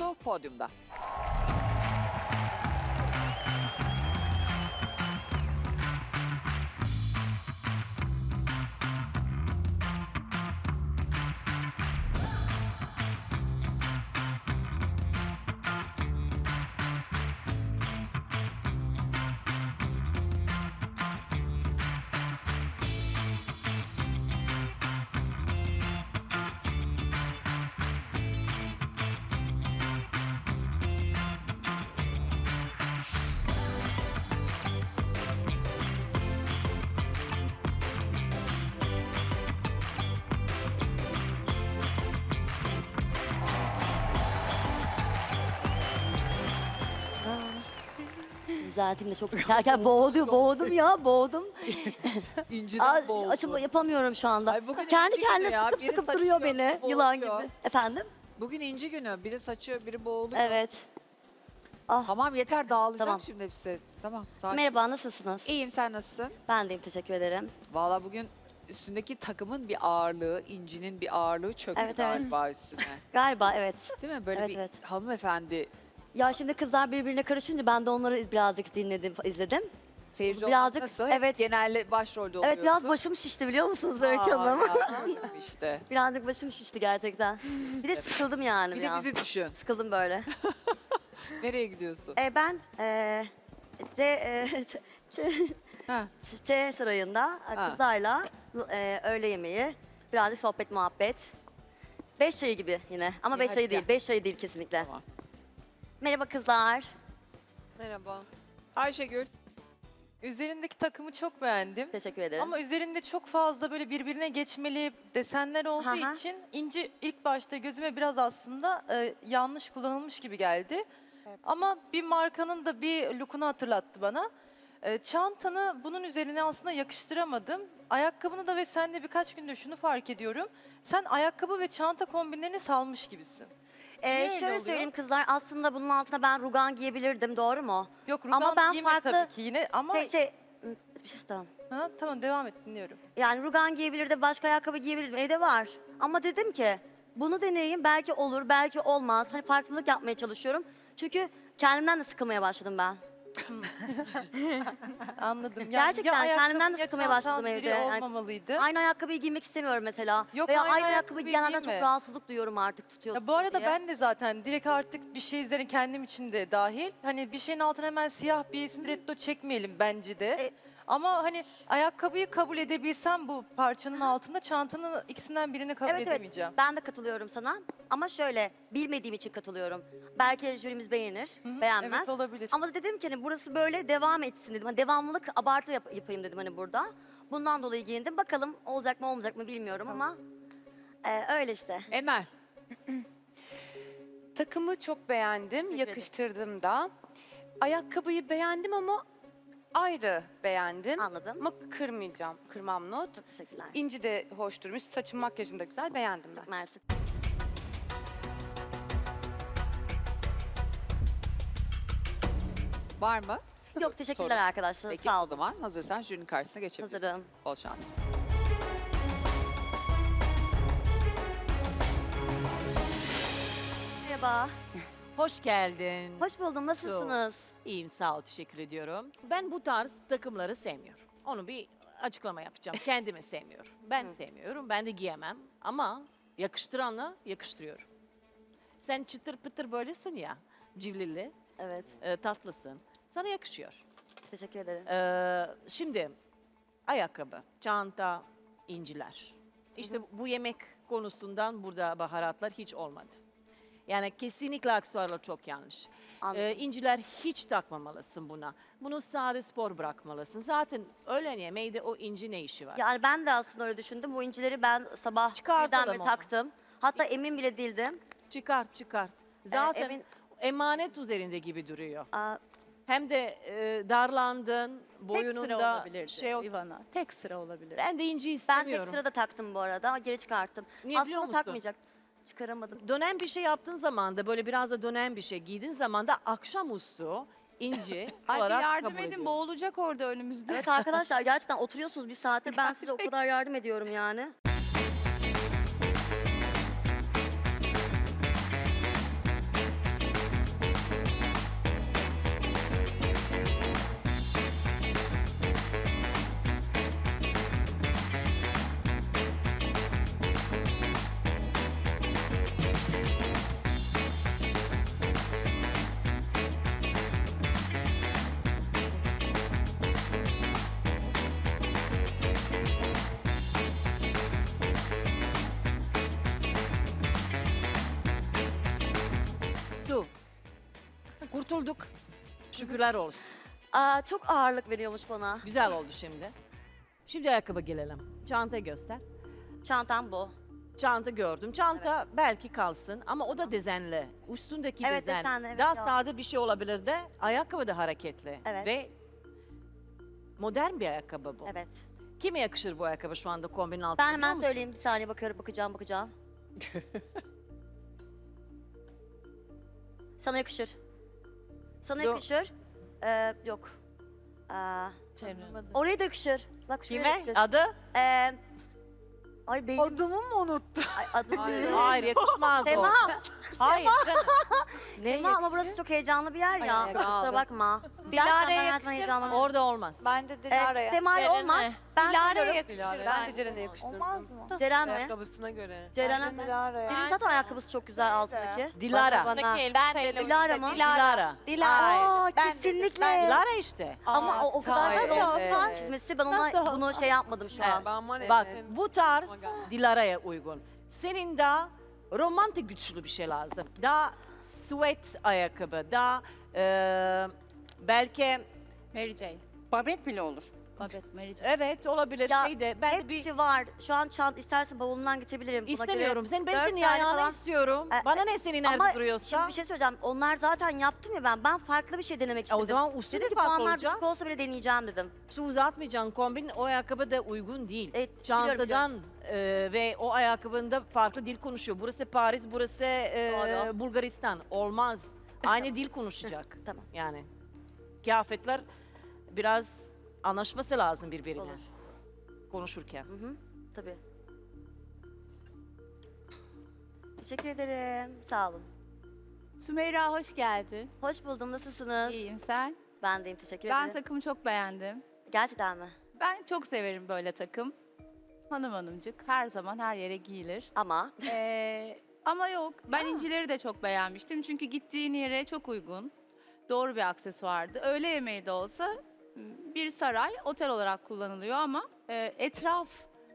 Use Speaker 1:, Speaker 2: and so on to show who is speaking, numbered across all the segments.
Speaker 1: Su podyumda.
Speaker 2: Zaten de çok sıkarken boğdum ya, boğdum.
Speaker 1: İnciden boğuldu.
Speaker 2: Açım yapamıyorum şu anda.
Speaker 1: Ay bugün
Speaker 2: Kendi
Speaker 1: inci
Speaker 2: kendine
Speaker 1: günü ya,
Speaker 2: sıkıp
Speaker 1: biri
Speaker 2: sıkıp duruyor
Speaker 1: saçıyor,
Speaker 2: beni,
Speaker 1: biri
Speaker 2: yılan
Speaker 1: boğuluyor.
Speaker 2: gibi. Efendim?
Speaker 1: Bugün inci günü. Biri saçıyor, biri boğuluyor.
Speaker 2: Evet.
Speaker 1: Tamam yeter dağılacak
Speaker 2: Tamam.
Speaker 1: şimdi hepsi. Tamam sakin.
Speaker 2: Merhaba, nasılsınız?
Speaker 1: İyiyim, sen nasılsın?
Speaker 2: Ben deyim, teşekkür ederim.
Speaker 1: Valla bugün üstündeki takımın bir ağırlığı, incinin bir ağırlığı çöktü
Speaker 2: Evet, evet.
Speaker 1: galiba üstüne.
Speaker 2: Galiba evet.
Speaker 1: Değil mi? Böyle
Speaker 2: Evet,
Speaker 1: bir
Speaker 2: evet.
Speaker 1: hanımefendi
Speaker 2: Ya şimdi kızlar birbirine karışınca ben de onları birazcık dinledim, izledim.
Speaker 1: seyirci
Speaker 2: Birazcık,
Speaker 1: olmak nasıl?
Speaker 2: evet.
Speaker 1: Hep genelde başrolde oluyorsun.
Speaker 2: Evet, biraz başım şişti biliyor musunuz Öykü Hanım?
Speaker 1: işte.
Speaker 2: Birazcık başım şişti gerçekten. Bir de sıkıldım yani
Speaker 1: Bir de
Speaker 2: biraz.
Speaker 1: bizi düşün.
Speaker 2: Sıkıldım böyle.
Speaker 1: Nereye gidiyorsun?
Speaker 2: Ben
Speaker 1: Ha.
Speaker 2: Ç Sarayı'nda kızlarla öğle yemeği, birazcık sohbet muhabbet. 5 çayı gibi yine ama
Speaker 1: İyi,
Speaker 2: 5
Speaker 1: hadi
Speaker 2: çayı değil,
Speaker 1: gel.
Speaker 2: 5 çayı değil kesinlikle.
Speaker 1: Tamam.
Speaker 2: Merhaba kızlar.
Speaker 3: Merhaba.
Speaker 1: Ayşegül.
Speaker 3: Üzerindeki takımı çok beğendim.
Speaker 2: Teşekkür ederim.
Speaker 3: Ama üzerinde çok fazla böyle birbirine geçmeli desenler olduğu
Speaker 2: Hı hı.
Speaker 3: için inci ilk başta gözüme biraz aslında yanlış kullanılmış gibi geldi. Ama bir markanın da bir look'unu hatırlattı bana. Çantanı bunun üzerine aslında yakıştıramadım. Ayakkabını da ve sen de birkaç gündür şunu fark ediyorum. Sen ayakkabı ve çanta kombinlerini salmış gibisin. Niye öyle
Speaker 2: Şöyle
Speaker 3: oluyor?
Speaker 2: söyleyeyim kızlar, aslında bunun altına ben rugan giyebilirdim, doğru mu?
Speaker 3: Yok
Speaker 2: Ama
Speaker 3: rugan
Speaker 2: ben
Speaker 3: giyme
Speaker 2: farklı-
Speaker 3: tabii ki yine ama
Speaker 2: Tamam.
Speaker 3: ha, tamam devam et dinliyorum.
Speaker 2: Yani rugan giyebilirdim, başka ayakkabı giyebilirdim, evde var. Ama dedim ki bunu deneyeyim, belki olur, belki olmaz. Hani farklılık yapmaya çalışıyorum. Çünkü kendimden de sıkılmaya başladım ben.
Speaker 3: Anladım. Yani
Speaker 2: Gerçekten
Speaker 3: ya ayakkabı
Speaker 2: kendimden de
Speaker 3: ya
Speaker 2: sıkılmaya
Speaker 3: çantan
Speaker 2: başladım
Speaker 3: biri
Speaker 2: evde. Yani
Speaker 3: olmamalıydı.
Speaker 2: aynı ayakkabıyı giymek istemiyorum mesela.
Speaker 3: Yok,
Speaker 2: Veya
Speaker 3: aynı
Speaker 2: aynı ayakkabıyı
Speaker 3: ayakkabıyı
Speaker 2: giyenlerden çok
Speaker 3: giyme.
Speaker 2: rahatsızlık duyuyorum artık, tutuyor.
Speaker 3: Ya bu arada
Speaker 2: diye.
Speaker 3: ben de zaten direkt artık bir şey üzerine kendim için de dahil. Hani bir şeyin altına hemen siyah bir stiletto çekmeyelim bence de.
Speaker 2: E-
Speaker 3: Ama hani ayakkabıyı kabul edebilsem bu parçanın altında çantanın ikisinden birini kabul
Speaker 2: Evet evet,
Speaker 3: edemeyeceğim.
Speaker 2: ben de katılıyorum sana. Ama şöyle, bilmediğim için katılıyorum. Belki jürimiz beğenir, beğenmez.
Speaker 3: Evet olabilir.
Speaker 2: Ama dedim ki hani burası böyle devam etsin dedim. Hani devamlılık abartı yapayım dedim hani burada. Bundan dolayı giyindim. Bakalım olacak mı olmayacak mı bilmiyorum ama öyle işte.
Speaker 1: Emel.
Speaker 4: Takımı çok beğendim,
Speaker 2: Teşekkür ederim.
Speaker 4: yakıştırdım da. Ayakkabıyı beğendim ama ayrı beğendim.
Speaker 2: Anladım.
Speaker 4: Ama kırmayacağım, kırmam not.
Speaker 2: Çok teşekkürler.
Speaker 4: İnci de hoş durmuş, saçın makyajın da güzel, beğendim ben.
Speaker 2: Mersi.
Speaker 1: Var mı?
Speaker 2: Yok teşekkürler
Speaker 1: Sorun.
Speaker 2: arkadaşlar.
Speaker 1: Peki
Speaker 2: Sağ
Speaker 1: o
Speaker 2: olun.
Speaker 1: zaman hazırsan jürinin karşısına geçebilirsin.
Speaker 2: Hazırım.
Speaker 1: Bol şans.
Speaker 2: Merhaba.
Speaker 5: Hoş geldin.
Speaker 2: Hoş buldum. Nasılsınız?
Speaker 5: İyiyim, sağ ol, teşekkür ediyorum. Ben bu tarz takımları sevmiyorum. Onu bir açıklama yapacağım. Kendime sevmiyorum. Ben sevmiyorum, ben de giyemem. Ama yakıştıranla yakıştırıyorum. Sen çıtır pıtır böylesin ya, civlili,
Speaker 2: Evet.
Speaker 5: tatlısın. Sana yakışıyor.
Speaker 2: Teşekkür ederim.
Speaker 5: Şimdi ayakkabı, çanta, inciler. İşte bu yemek konusundan burada baharatlar hiç olmadı. Yani kesinlikle aksesuarlar çok yanlış.
Speaker 2: Anladım.
Speaker 5: İnciler hiç takmamalısın buna. Bunu sade spor bırakmalısın. Zaten öğlen yemeğinde o inci ne işi var?
Speaker 2: Yani ben de aslında öyle düşündüm. Bu incileri ben sabah
Speaker 5: Çıkartalım
Speaker 2: birdenbire
Speaker 5: onu.
Speaker 2: taktım. Hatta emin bile değildim.
Speaker 5: Çıkart. Zaten
Speaker 2: emin-
Speaker 5: emanet üzerinde gibi duruyor.
Speaker 2: Aa,
Speaker 5: Hem de darlandın,
Speaker 6: Tek sıra
Speaker 5: boyununda
Speaker 6: olabilirdi
Speaker 5: şey yok.
Speaker 6: Ivana. Tek sıra olabilir.
Speaker 5: Ben de inci
Speaker 2: ben
Speaker 5: istemiyorum.
Speaker 2: tek sırada taktım bu arada. Geri çıkarttım.
Speaker 5: Niye biliyor
Speaker 2: Aslında
Speaker 5: musun?
Speaker 2: takmayacak. Çıkaramadım.
Speaker 5: Dönen bir şey yaptığın zaman da böyle biraz da dönen bir şey giydiğin zaman da akşamüstü inci
Speaker 6: Ay bir
Speaker 5: olarak
Speaker 6: yardım
Speaker 5: kabul
Speaker 6: edin,
Speaker 5: ediyorum.
Speaker 6: boğulacak orada önümüzde.
Speaker 2: Evet arkadaşlar gerçekten oturuyorsunuz bir saattir. Ben size o kadar yardım ediyorum yani.
Speaker 5: Su. Kurtulduk. Şükürler olsun.
Speaker 2: Çok ağırlık veriyormuş bana.
Speaker 5: Güzel oldu şimdi. Şimdi ayakkabı gelelim. Çanta göster.
Speaker 2: Çantam bu.
Speaker 5: Çanta gördüm. Çanta belki kalsın ama o da dezenli. Üstündeki
Speaker 2: Evet,
Speaker 5: dezen.
Speaker 2: desenli, evet,
Speaker 5: Daha
Speaker 2: ya.
Speaker 5: sade bir şey olabilir de ayakkabı da hareketli.
Speaker 2: Evet.
Speaker 5: Ve modern bir ayakkabı bu.
Speaker 2: Evet.
Speaker 5: Kime yakışır bu ayakkabı şu anda kombinin altında?
Speaker 2: Ben hemen
Speaker 5: biliyor musun?
Speaker 2: söyleyeyim, bir saniye bakacağım. Sana yakışır. Sana
Speaker 5: Yok.
Speaker 2: yakışır. Yok. Oraya da yakışır. Bak şuraya da
Speaker 5: Kime?
Speaker 2: yakışır.
Speaker 5: Adı?
Speaker 2: Ay beynim.
Speaker 1: Adımı mı unuttun?
Speaker 2: Ay, adım değil.
Speaker 5: Hayır yakışmaz o.
Speaker 2: Sema.
Speaker 5: Hayır canım. Ne
Speaker 2: Sema ama burası çok heyecanlı bir yer ya.
Speaker 4: Ay,
Speaker 2: Kusura
Speaker 4: abi.
Speaker 2: bakma.
Speaker 6: Dilara'ya
Speaker 2: Gerçekten ben her zaman
Speaker 6: yakışır
Speaker 2: heyecanlanıyorum.
Speaker 5: Orada olmaz.
Speaker 6: Bence Dilara'ya.
Speaker 2: Sema'ya olmaz. Ben
Speaker 6: Dilara'ya
Speaker 2: söylüyorum.
Speaker 6: yakışır
Speaker 4: Ben de
Speaker 6: bence.
Speaker 4: Ceren'e yakıştırdım.
Speaker 6: Olmaz mı?
Speaker 2: Ceren mi?
Speaker 7: Ayakkabısına göre.
Speaker 2: Ceren'e
Speaker 6: Bence
Speaker 2: mi?
Speaker 6: Dilara'ya.
Speaker 2: Benim zaten ayakkabısı çok güzel altındaki.
Speaker 5: Dilara.
Speaker 6: Ben de
Speaker 2: Dilara mı?
Speaker 5: Dilara.
Speaker 2: Aa,
Speaker 6: Ben de-
Speaker 2: kesinlikle.
Speaker 5: Dilara işte.
Speaker 2: Ama o kadar
Speaker 4: Ay,
Speaker 2: da
Speaker 4: evet.
Speaker 2: falan çizmesi ben ona bunu şey yapmadım şu an.
Speaker 7: Ben var ya,
Speaker 5: Bak
Speaker 7: senin-
Speaker 5: bu tarz
Speaker 7: Ama gel.
Speaker 5: Dilara'ya uygun. Senin daha romantik güçlü bir şey lazım. Daha sweat ayakkabı, daha belki
Speaker 6: Mary J.
Speaker 8: Babet bile olur.
Speaker 6: Babet Mary J.
Speaker 5: evet olabilir
Speaker 2: Ya,
Speaker 5: şey de ben de bir
Speaker 2: Hepsi var. Şu an istersen bavulundan getirebilirim. Buna
Speaker 5: istemiyorum.
Speaker 2: göre
Speaker 5: Ben
Speaker 2: dört
Speaker 5: senin
Speaker 2: tane
Speaker 5: ayağını
Speaker 2: falan-
Speaker 5: istiyorum. Bana ne senin
Speaker 2: Ama
Speaker 5: nerede duruyorsa.
Speaker 2: şimdi bir şey söyleyeceğim. Onlar zaten yaptım ya ben. Ben farklı bir şey denemek istedim.
Speaker 5: O zaman üstü
Speaker 2: Dedim
Speaker 5: de
Speaker 2: ki
Speaker 5: farklı
Speaker 2: puanlar
Speaker 5: olacak.
Speaker 2: düşük olsa bile deneyeceğim dedim.
Speaker 5: Su uzatmayacaksın kombin o ayakkabı da uygun değil.
Speaker 2: Biliyorum,
Speaker 5: Çantadan ve o ayakkabında farklı dil konuşuyor. Burası Paris, burası
Speaker 2: Doğru.
Speaker 5: Bulgaristan. Olmaz. Aynı dil konuşacak.
Speaker 2: Tamam.
Speaker 5: Yani kıyafetler biraz anlaşması lazım birbirine
Speaker 2: Olur.
Speaker 5: konuşurken.
Speaker 2: Hı hı. Tabii. Teşekkür ederim. Sağ olun.
Speaker 6: Sümeyra hoş geldin.
Speaker 2: Hoş buldum. Nasılsınız?
Speaker 6: İyiyim sen.
Speaker 2: Ben deyim. Teşekkür
Speaker 6: Ben
Speaker 2: ederim.
Speaker 6: takımı çok beğendim.
Speaker 2: Gerçekten mi?
Speaker 6: Ben çok severim böyle takım. Hanım hanımcık her zaman her yere giyilir.
Speaker 2: Ama
Speaker 6: Ama yok ben incileri de çok beğenmiştim. Çünkü gittiğin yere çok uygun. Doğru bir aksesuardı. Öğle yemeği de olsa bir saray otel olarak kullanılıyor ama etraf,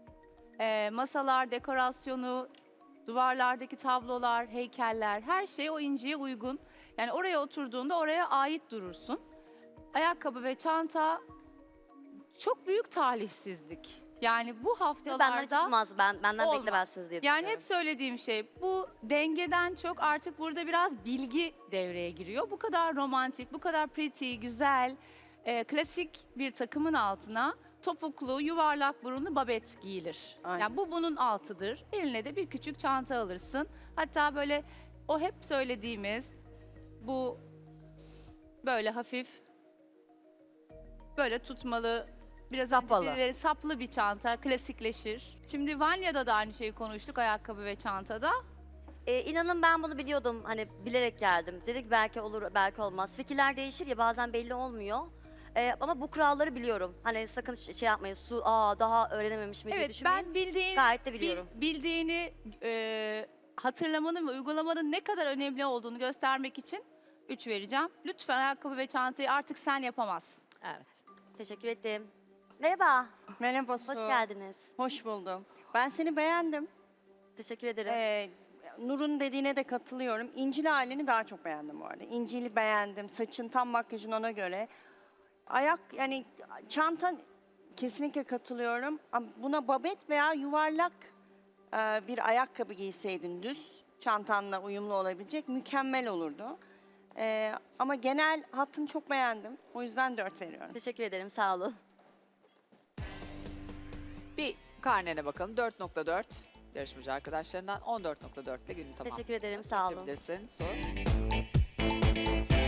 Speaker 6: masalar, dekorasyonu, duvarlardaki tablolar, heykeller her şey o inciye uygun. Yani oraya oturduğunda oraya ait durursun. Ayakkabı ve çanta çok büyük talihsizlik. Yani bu
Speaker 2: benden
Speaker 6: haftalarda
Speaker 2: çıkmaz. Benden
Speaker 6: olmaz.
Speaker 2: beklemezsiniz diye
Speaker 6: yani
Speaker 2: düşünüyorum.
Speaker 6: hep söylediğim şey bu dengeden çok artık burada biraz bilgi devreye giriyor. Bu kadar romantik, bu kadar pretty, güzel, klasik bir takımın altına topuklu, yuvarlak burunlu babet giyilir.
Speaker 8: Aynen.
Speaker 6: Yani bu bunun altıdır. Eline de bir küçük çanta alırsın. Hatta böyle o hep söylediğimiz bu böyle hafif böyle tutmalı biraz önce
Speaker 5: Sapalı.
Speaker 6: birileri saplı bir çanta klasikleşir. Şimdi Vanya'da da aynı şeyi konuştuk ayakkabı ve çantada.
Speaker 2: İnanın ben bunu biliyordum. Hani bilerek geldim. Dedik belki olur, belki olmaz. Fikirler değişir ya bazen belli olmuyor. Ama bu kuralları biliyorum. Hani sakın şey yapmayın. Daha öğrenememiş mi diye
Speaker 6: Evet
Speaker 2: düşünmeyin.
Speaker 6: ben bildiğin,
Speaker 2: Gayet de biliyorum.
Speaker 6: bildiğini hatırlamanın ve uygulamanın ne kadar önemli olduğunu göstermek için 3 vereceğim. Lütfen ayakkabı ve çantayı artık sen yapamazsın.
Speaker 5: Evet.
Speaker 2: Teşekkür ettim. Merhaba.
Speaker 8: Merhaba Su.
Speaker 2: Hoş geldiniz.
Speaker 8: Hoş buldum. Ben seni beğendim.
Speaker 2: Teşekkür ederim.
Speaker 8: Nur'un dediğine de katılıyorum. İncili halini daha çok beğendim bu arada. İncili beğendim. Saçın tam makyajın ona göre. Yani çantan kesinlikle katılıyorum. Ama buna babet veya yuvarlak bir ayakkabı giyseydin düz. Çantanla uyumlu olabilecek. Mükemmel olurdu. Ama genel hattını çok beğendim. O yüzden 4 veriyorum.
Speaker 2: Teşekkür ederim. Sağ olun.
Speaker 1: Bir karnene bakalım. 4.4 yarışmacı arkadaşlarından 14.4 ile günü tamam.
Speaker 2: Teşekkür ederim, sağ olun.
Speaker 1: Geçebilirsin. Sor.